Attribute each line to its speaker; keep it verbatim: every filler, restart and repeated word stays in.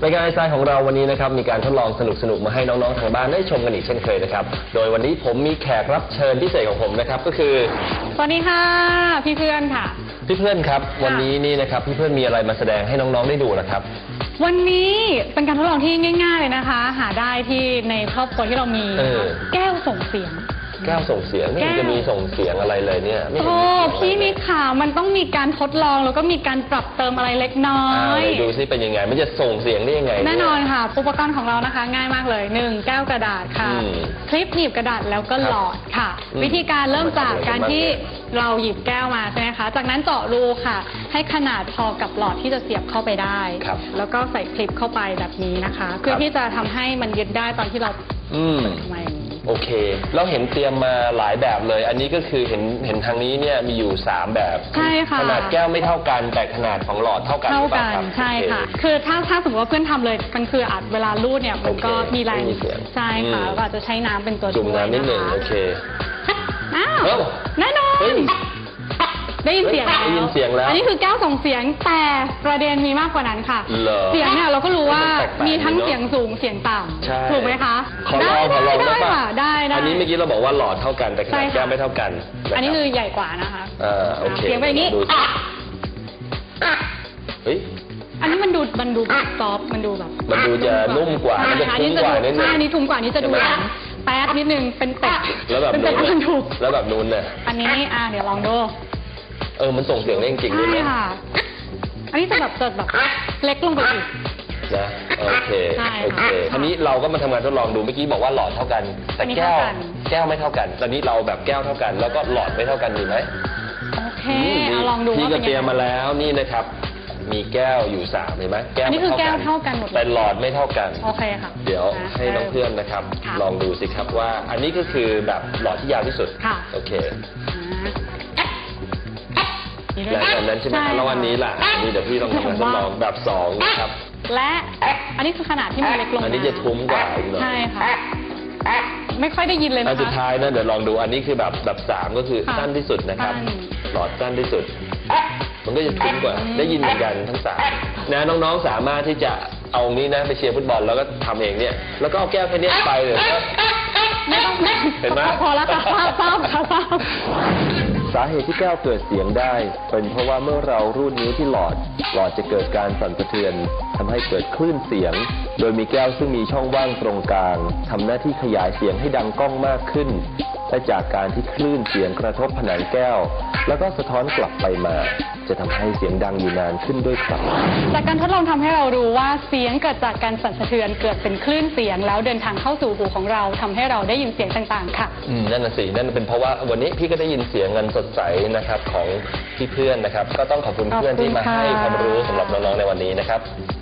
Speaker 1: รายการไอซ์ไซน์ของเราวันนี้นะครับมีการทดลองสนุกๆมาให้น้องๆทางบ้านได้ชมกันอีกเช่นเคยนะครับโดยวันนี้ผมมีแขกรับเชิญพิเศษของผมนะครับก็คือ
Speaker 2: สวัสดีค่ะพี่เพื่อนค่ะ
Speaker 1: พี่เพื่อนครับวันนี้นี่นะครับพี่เพื่อนมีอะไรมาแสดงให้น้องๆได้ดูนะครับ
Speaker 2: วันนี้เป็นการทดลองที่ง่ายๆเลยนะคะหาได้ที่ในครอบครัวที่เรามีแก้วส่งเสียง
Speaker 1: แก้วส่งเสียงไม่จะมีส่งเสียงอะไรเลยเนี่ย
Speaker 2: โอ้พี่มีข่าวมันต้องมีการทดลองแล้วก็มีการปรับเติมอะไรเล็กน้อย
Speaker 1: ดูซิเป็นยังไงมันจะส่งเสียงได้ยังไง
Speaker 2: แน่นอนค่ะอุปกรณ์ของเรานะคะง่ายมากเลยหนึ่งแก้วกระดาษค่ะคลิปหนีบกระดาษแล้วก็หลอดค่ะวิธีการเริ่มจากการที่เราหยิบแก้วมาใช่ไหมคะจากนั้นเจาะรูค่ะให้ขนาดพอกับหลอดที่จะเสียบเข้าไปได้แล้วก็ใส่คลิปเข้าไปแบบนี้นะคะเพื่อที่จะทำให้มันยึดได้ตอนที่เราเปิดมาอย่างนี้
Speaker 1: โอเคเราเห็นเตรียมมาหลายแบบเลยอันนี้ก็คือเห็นเห็นทางนี้เนี่ยมีอยู่สามแบบ
Speaker 2: ใช่ค่ะ
Speaker 1: ขนาดแก้วไม่เท่ากันแต่ขนาดของหลอดเท่ากัน
Speaker 2: เท่ากันใช่ค่ะคือถ้าถ้าสมมติว่าเพื่อนทำเลยมันคืออาจเวลารูดเนี่ยมันก็มีแรงใช่ค่ะแล้วก็จะใช้น้ำเป็นตัว
Speaker 1: จุ่มน้ำนิดหนึ่งโอเค
Speaker 2: อ้าวแน่นอนได้ยินเสียง
Speaker 1: ได้ยินเสียงแล้ว
Speaker 2: อันนี้คือแก้วส่งเสียงแต่ประเด็นมีมากกว่านั้นค่ะเสียงเนี่ยเราก็รู้ว่ามีทั้งเสียงสูงเสียงต่ำถูกไหมคะ
Speaker 1: ขอลองขอลองได้
Speaker 2: ค่ะได้ได้
Speaker 1: อันนี้เมื่อกี้เราบอกว่าหลอดเท่ากันแต่ขนาดแก้วไม่เท่ากัน
Speaker 2: อันนี้คือใหญ่กว่านะคะ
Speaker 1: อ่าโอเค
Speaker 2: เสียงเป็นอย่างนี้
Speaker 1: เฮ้ย
Speaker 2: อันนี้มันดูมันดูซอฟมันดูแบบ
Speaker 1: มันดูจะนุ่มกว่ามันจะทุ้มกว่านิดนึง
Speaker 2: ใช่อันนี้ทุ้มกว่านี้จะดูแป๊ดนิดนึงเป็นเป็ด
Speaker 1: แล้วแบบนู้นแล้วแบบนู้นเนี่ย
Speaker 2: อันนี้อ่าเดี๋ยวลองดู
Speaker 1: เออมันส่งเสียงได้จริงๆด้วยนะ
Speaker 2: อันนี้จะแบบจะแบบเล็กลงไปอีก
Speaker 1: นะโอเคโอเคทีนี้เราก็มาทำงานทดลองดูเมื่อกี้บอกว่าหลอดเท่ากันแต่แก้วแก้วไม่เท่ากันตอนนี้เราแบบแก้วเท่ากันแล้วก็หลอดไม่เท่ากันดีไหม
Speaker 2: โอเคลองดู
Speaker 1: พี่ก็เตรียมมาแล้วนี่นะครับมีแก้วอยู่สามเห็นไหม
Speaker 2: แก้วอันนี้คือแก้วเท่ากันหมด
Speaker 1: แต่หลอดไม่เท่ากัน
Speaker 2: โอเคค่ะ
Speaker 1: เดี๋ยวให้น้องเพื่อนนะครับลองดูสิครับว่าอันนี้ก็คือแบบหลอดที่ยาวที่สุดโอเคและอันนั้นใช่ไหมแล้ววันนี้ล่ะนี่เดี๋ยวพี่ลองทำการทดลองแบบสองนะครับ
Speaker 2: และอันนี้คือขนาดที่มันเล็กลง
Speaker 1: อันนี้จะทุ้มกว่าอีกหน่อย
Speaker 2: ใช่ค่ะไม่ค่อยได้ยินเลยนะคะ
Speaker 1: อันสุดท้ายนะเดี๋ยวลองดูอันนี้คือแบบแบบสามก็คือสั้นที่สุดนะครับหลอดสั้นที่สุดมันก็จะทุ้มกว่าได้ยินเหมือนกันทั้งสามนะน้องๆสามารถที่จะเอานี้นะไปเชียร์ฟุตบอลแล้วก็ทำเองเนี่ยแล้วก็เอาแก้วแค่นี้ไปเลย
Speaker 2: ไม่ต้อง
Speaker 1: เห็นไหม
Speaker 2: พอแล้วค่ะทราบทราบค่ะทราบ
Speaker 1: สาเหตุที่แก้วเกิดเสียงได้เป็นเพราะว่าเมื่อเรารูดนิ้วที่หลอดหลอดจะเกิดการสั่นสะเทือนทำให้เกิดคลื่นเสียงโดยมีแก้วซึ่งมีช่องว่างตรงกลางทำหน้าที่ขยายเสียงให้ดังก้องมากขึ้นและจากการที่คลื่นเสียงกระทบผนังแก้วแล้วก็สะท้อนกลับไปมาจะทำให้เสียงดังอยู่นานขึ้นด้วยครับ
Speaker 2: จากการทดลองทำให้เรารู้ว่าเสียงเกิดจากการสั่นสะเทือนเกิดเป็นคลื่นเสียงแล้วเดินทางเข้าสู่หูของเราทำให้เราได้ยินเสียงต่างๆค่ะ
Speaker 1: อืมนั่นน่ะสินั่นเป็นเพราะว่าวันนี้พี่ก็ได้ยินเสียงเงินสดใสนะครับของพี่เพื่อนนะครับก็ต้องขอบคุณเพื่อนที่มาให้ความรู้สำหรับน้องๆในวันนี้นะครับ